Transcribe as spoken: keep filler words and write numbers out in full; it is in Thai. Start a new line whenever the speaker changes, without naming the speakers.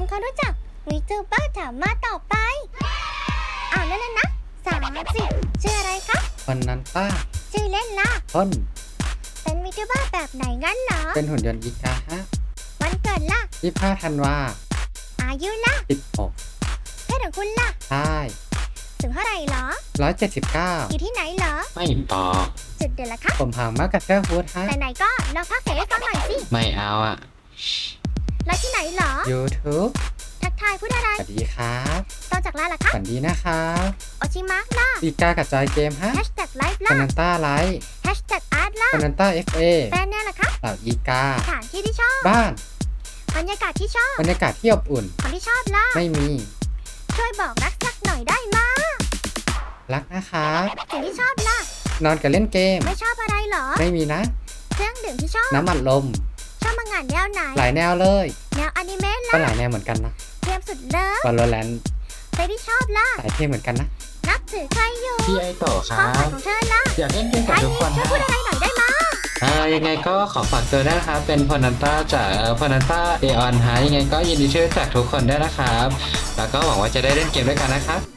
ำความรู้จักวีจูเบอร์ถามมาต่อไปอ้าวนั่นน่ะนะสามสิบชื่ออะไรคะ
คนนั้นป้า
ชื่อเล่นล่ะ
ต้น
เป็นวีจูเบอร์แบบไหนงั้นเหรอ
เป็นหุ่นยนต์อีกาฮะ
วันเกิดล่ะ
ยี่สิบห้าธันวา
อายุล่ะ
สิบหก
เพศของคุณล่ะ
ใช่
ถึงเท่าไหร่เหรอ
ร้อยเจ็ดสิบเก้า
อยู่ที่ไหนเหรอ
ไม่ตอบ
จุดเดือนละคะ
ผมหางมากกับเสื้อฮูดฮะ
ไหนๆก็ลองพักเสียงให้ฟังหน่อยสิ
ไม่เอาอ่ะ
แล้วที่ไหนเหรอ
YouTube
ทักทายพูดอะไร
สวัสดีครับ
ต่อจากลาล่ะคะ
สวัสดีนะครับ
โอชิมะล่ะ
อีกากับจอยเกมฮะ
แฮชแท็กไลฟ์
ค
ล่ะ
นันต้าไลท์
แฮชแท็กอาร์ตล่ะ
คนันต้าเอฟเอ
แฟนเนี่ยล่ะคะ
เหล่าอีกา
สถานที่ที่ชอบ
บ้าน
บรรยากาศที่ชอบบ
รรยากาศที่อบอุ่น
คนที่ชอบล่ะ
ไม่มี
ช่วยบอกรักสักหน่อยได้มา
รักนะครับ
สิ่งที่ชอบล่ะ
นอนกับเล่นเกม
ไม่ชอบอะไรเหรอ
ไม่มีนะ
เครื่องดื่มที่ชอบ
น้ำอัดลม
ชอบมังงานแนวไหน
หลายแนวเลย
แนวอนิเมะ
ก็
ล่ะ
หลายแนวเหมือนกันนะ
เกมสุดเลิฟ
วอลเลน
เพลงที่ชอบล่ะ
หลายเพลงเหมือนกันนะ
นับถือใครอยู่
พี่ไอโตะค
ควา
รั
มฝัน
บ
ของเธอล่ะ
อยากเล่นเกมกับทุกคน
ช่วย
ฮะ
พูดอะไรหน่อยได้มา
อ่ายังไงก็ขอฝากตัวด้วยนะครับ เป็นพนันต้าจากพนันต้าเอออนฮะยังไงก็ยินดีช่วยจากทุกคนด้วยนะครับ แล้วก็หวังว่าจะได้เล่นเกมด้วยกันนะครับ